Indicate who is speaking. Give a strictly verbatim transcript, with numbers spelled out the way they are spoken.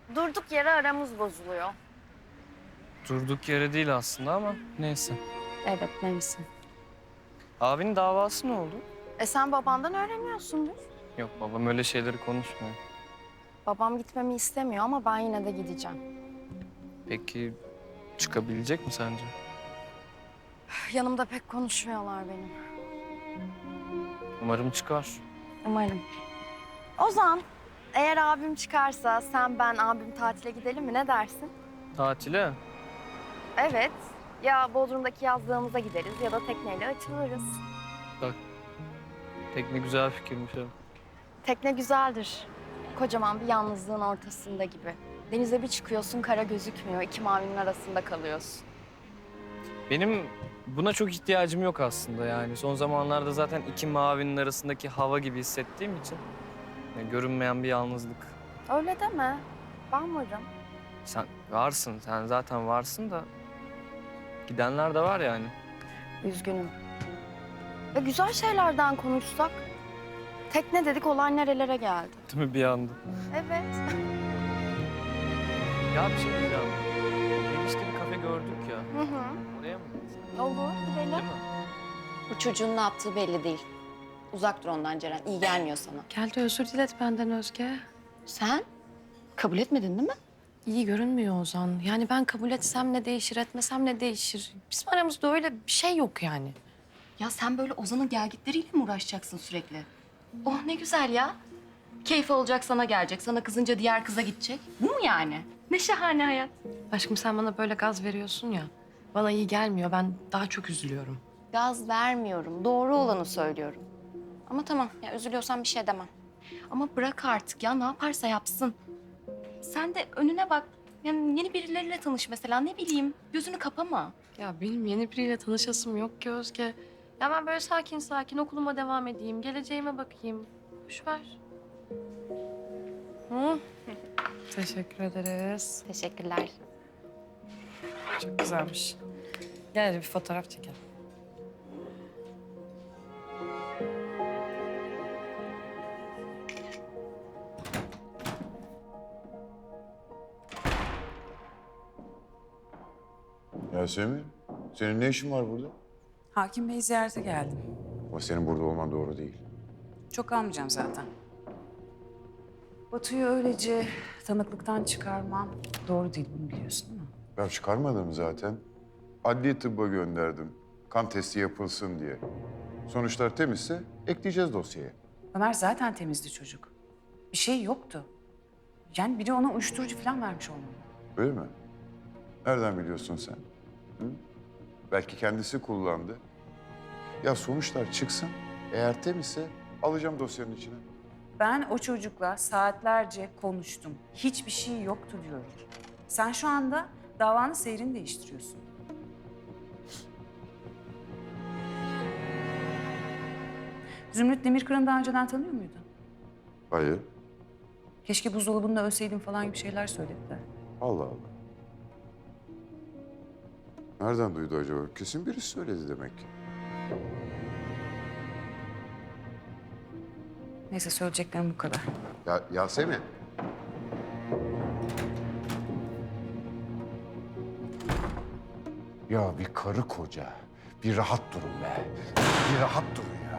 Speaker 1: Durduk yere aramız bozuluyor.
Speaker 2: Durduk yere değil aslında ama neyse.
Speaker 1: Evet, neyse.
Speaker 2: Abinin davası ne oldu?
Speaker 1: E sen babandan öğreniyorsundur.
Speaker 2: Yok, babam öyle şeyleri konuşmuyor.
Speaker 1: Babam gitmemi istemiyor ama ben yine de gideceğim.
Speaker 2: Peki çıkabilecek mi sence?
Speaker 1: Yanımda pek konuşmuyorlar benim.
Speaker 2: Umarım çıkar.
Speaker 1: Umarım. Ozan, eğer abim çıkarsa sen, ben, abim tatile gidelim mi? Ne dersin?
Speaker 2: Tatile?
Speaker 1: Evet. Ya Bodrum'daki yazlığımıza gideriz ya da tekneyle açılırız.
Speaker 2: Bak, tekne güzel fikirmiş ha.
Speaker 1: Tekne güzeldir. Kocaman bir yalnızlığın ortasında gibi. Denize bir çıkıyorsun, kara gözükmüyor. İki mavinin arasında kalıyorsun.
Speaker 2: Benim buna çok ihtiyacım yok aslında yani. Son zamanlarda zaten iki mavinin arasındaki hava gibi hissettiğim için. Yani görünmeyen bir yalnızlık.
Speaker 1: Öyle deme. Ben varım.
Speaker 2: Sen varsın, sen zaten varsın da gidenler de var yani.
Speaker 1: Üzgünüm. Ve güzel şeylerden konuşsak. Tekne dedik, olay nerelere geldi?
Speaker 2: Değil mi bir anda?
Speaker 1: Evet.
Speaker 2: Ya bir şey diyeceğim. Girişte bir kafe gördük ya.
Speaker 1: Hı hı.
Speaker 2: Oraya mı gitsek?
Speaker 1: Olur, gidelim.
Speaker 2: Değil mi?
Speaker 3: Bu çocuğun ne yaptığı belli değil. Uzak dur ondan Ceren. İyi gelmiyor sana.
Speaker 4: Gel de özür dilet benden Özge.
Speaker 3: Sen kabul etmedin değil mi?
Speaker 4: İyi görünmüyor Ozan. Yani ben kabul etsem ne değişir, etmesem ne değişir? Bizim aramızda öyle bir şey yok yani.
Speaker 3: Ya sen böyle Ozan'ın gelgitleriyle mi uğraşacaksın sürekli? Oh ne güzel ya. Keyfi olacak sana gelecek. Sana kızınca diğer kıza gidecek. Bu mu yani? Ne şahane hayat.
Speaker 4: Aşkım sen bana böyle gaz veriyorsun ya. Bana iyi gelmiyor. Ben daha çok üzülüyorum.
Speaker 3: Gaz vermiyorum. Doğru olanı söylüyorum. Ama tamam ya üzülüyorsan bir şey demem. Ama bırak artık ya ne yaparsa yapsın. Sen de önüne bak. Yani yeni birileriyle tanış mesela ne bileyim. Gözünü kapama.
Speaker 4: Ya benim yeni biriyle tanışasım yok ki Özge. Ya ben böyle sakin sakin okuluma devam edeyim. Geleceğime bakayım. Boş ver. Hı? Teşekkür ederiz.
Speaker 3: Teşekkürler.
Speaker 4: Çok güzelmiş. Gel hadi bir fotoğraf çekelim.
Speaker 5: Yasemin, senin ne işin var burada?
Speaker 6: Hakim Bey'i ziyarete geldim.
Speaker 5: Ama senin burada olman doğru değil.
Speaker 6: Çok almayacağım zaten. Batu'yu öylece tanıklıktan çıkarmam doğru değil, bunu biliyorsun değil mi?
Speaker 5: Ben çıkarmadım zaten. Adli tıbba gönderdim. Kan testi yapılsın diye. Sonuçlar temizse ekleyeceğiz dosyaya.
Speaker 6: Ömer zaten temizdi çocuk. Bir şey yoktu. Yani biri ona uyuşturucu falan vermiş olmalı.
Speaker 5: Öyle mi? Nereden biliyorsun sen? Hı? Belki kendisi kullandı. Ya sonuçlar çıksın. Eğer temizse alacağım dosyanın içine.
Speaker 6: Ben o çocukla saatlerce konuştum. Hiçbir şey yoktu diyorum. Sen şu anda davanın seyrini değiştiriyorsun. Zümrüt Demirkıran'ı daha önceden tanıyor muydun?
Speaker 5: Hayır.
Speaker 6: Keşke buzdolabında ölseydin falan gibi şeyler söylediler.
Speaker 5: Allah Allah. Nereden duydu acaba? Kesin birisi söyledi demek ki.
Speaker 6: Neyse söyleyeceklerim bu kadar.
Speaker 5: Ya Yasemin. Ya bir karı koca. Bir rahat durun be. Bir rahat durun ya.